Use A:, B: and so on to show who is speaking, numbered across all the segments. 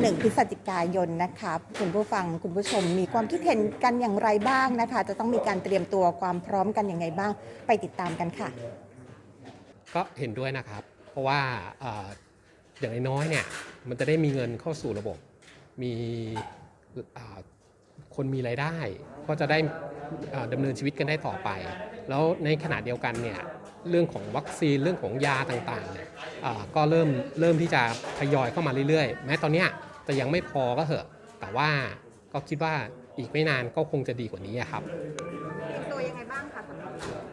A: 1 พฤศจิกายนนะคะคุณผู้ฟังคุณผู้ชมมีความคิดเห็นกันอย่างไรบ้างนะคะจะต้องมีการเตรียมตัวความพร้อมกันอย่างไรบ้างไปติดตามกันค่ะ
B: ก็เห็นด้วยนะครับเพราะว่าอย่างน้อยๆเนี่ยมันจะได้มีเงินเข้าสู่ระบบมีคนมีรายได้ก็จะได้ดำเนินชีวิตกันได้ต่อไปแล้วในขณะเดียวกันเนี่ยเรื่องของวัคซีนเรื่องของยาต่างๆเนี่ยก็เริ่มที่จะทยอยเข้ามาเรื่อยๆแม้ตอนนี้จะยังไม่พอก็เถอะแต่ว่าก็คิดว่าอีกไม่นานก็คงจะดีกว่านี้ครับ
A: เตรียมตัวยังไงบ้างคะสำหรับ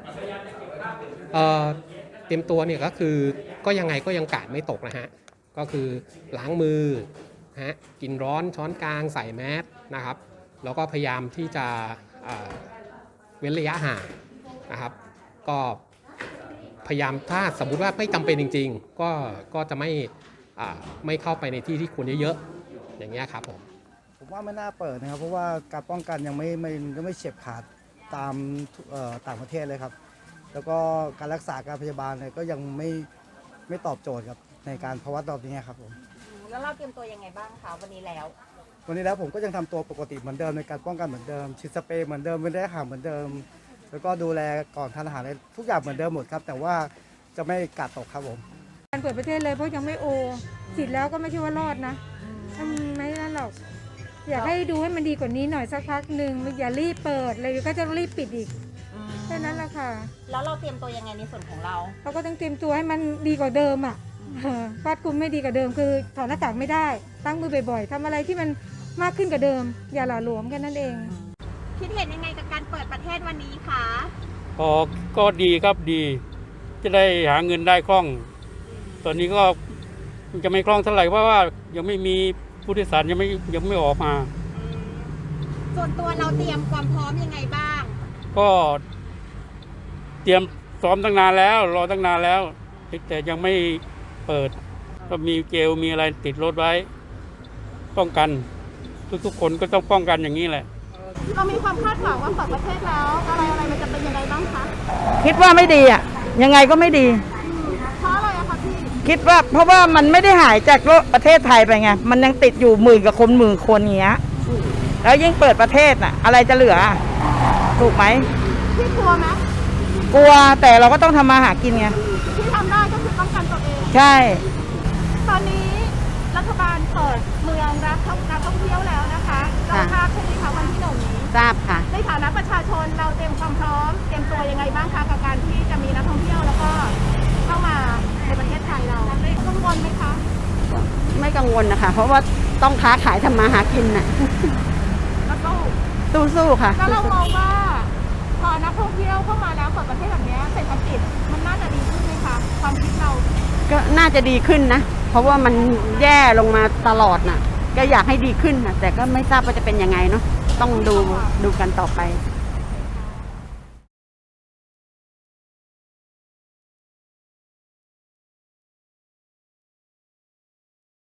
B: เตรียมตัวเนี่ยก็คือก็ยังไงก็ยังกาดไม่ตกนะฮะก็คือล้างมือฮะกินร้อนช้อนกลางใส่แมสนะครับแล้วก็พยายามที่จะเว้นระยะห่างนะครับก็พยายามถ้าสมมุติว่าไม่จำเป็นจริงๆก็จะไม่เข้าไปในที่ที่คนเยอะๆอย่างเงี้ยครับ
C: ผมว่าไม่น่าเปิดนะครับเพราะว่าการป้องกันยังไม่เฉียบขาดตามต่างประเทศเลยครับแล้วก็การรักษาการพยาบาลเนี่ยก็ยังไม่ตอบโจทย์ครับในการภาวะตอบนี้ครับผม
A: แล้วเราเตรียมตัวยังไงบ้างคะวันนี้แล้ว
C: ผมก็ยังทำตัวปกติเหมือนเดิมในการป้องกันเหมือนเดิมฉีดสเปรย์เหมือนเดิมเว้นระยะห่างเหมือนเดิมแล้วก็ดูแลก่อนทานอาหารทุกอย่างเหมือนเดิมหมดครับแต่ว่าจะไม่กาดตกครับผม
D: การเปิดประเทศเลยเพราะยังไม่ฉีดแล้วก็ไม่ใช่ว่ารอดนะไม่นั่นหรอกอยากให้ดูให้มันดีกว่านี้หน่อยสักพักหนึ่งอย่ารีบเปิดเลยก็จะรีบปิดอีกแค่นั้นแหละค่ะ
A: แล้วเราเตรียมตัวยังไงในส่วนของเรา
D: ก็ต้องเตรียมตัวให้มันดีกว่าเดิมอ่ะครอบคลุมไม่ดีกว่าเดิมคือถอดหน้ากากไม่ได้ตั้งมือบ่อยๆทำอะไรที่มันมากขึ้นกว่าเดิมอย่าหล่อหลวมแค่นั้นเอง
A: คิดเห็นยังไงกับการเปิดประเทศวันนี้คะ
E: ก็ดีครับดีจะได้หาเงินได้คล่องตอนนี้ก็จะไม่คล่องเท่าไหร่เพราะว่ายังไม่มีผู้โดยสารยังไม่ออกมา
A: ส่วนตัวเราเตรียมความพร้อมยังไงบ้าง
E: ก็เตรียมซ้อมตั้งนานแล้วรอตั้งนานแล้วแต่ยังไม่เปิดก็มีเจลมีอะไรติดรถไว้ป้องกันทุกคนก็ต้องป้องกันอย่างนี้แหละ
A: เรามีความคาดหวังว่าเปิดประเทศแล้วอะไรมันจะเป็นยังไงบ้างคะ
F: คิดว่าไม่ดีอ่ะยังไงก็ไม่ดี
A: เพราะอะไรอะคะพี่
F: คิดว่าเพราะว่ามันไม่ได้หายจากประเทศไทยไปไงมันยังติดอยู่หมื่นกับคนหมื่นคนอย่างเงี้ยแล้วยิ่งเปิดประเทศน่ะอะไรจะเหลือถูกไหม
A: พี่กลัวไหม
F: กลัวแต่เราก็ต้องทำมาหากินไง
A: ที่ทำได้ก็คือป้องกันตัวเอง
F: ใช่
A: ตอนนี้รัฐบาลเปิดเมืองรับการท่องเที่ยวแล้วนะคะเราทราบใช่ไหมคะวันที่1นี้
F: ทราบค่ะ
A: ในฐานะประชาชนเราเตรียมความพร้อมเตรียมตัวยังไงบ้างคะกับการที่จะมีนักท่องเที่ยวแล้วก็เข้ามาในประเทศไทยเรากังวลไหมคะ
F: ไม่กังวลนะคะเพราะว่าต้องค้าขายทำมาหากินน่ะ
A: แล้วก็
F: สู้ค่ะ
A: แล้วเรามองว่าพอนักท่องเที่ยวเข้ามาแล้วเปิดประเทศแบบนี้เศรษฐกิจมันน่าจะดีขึ้นไหมคะความคิดเรา
F: ก็น่าจะดีขึ้นนะเพราะว่ามันแย่ลงมาตลอดน่ะก็อยากให้ดีขึ้นนะแต่ก็ไม่ทราบว่าจะเป็นยังไงเนาะต้องดูกันต่อไป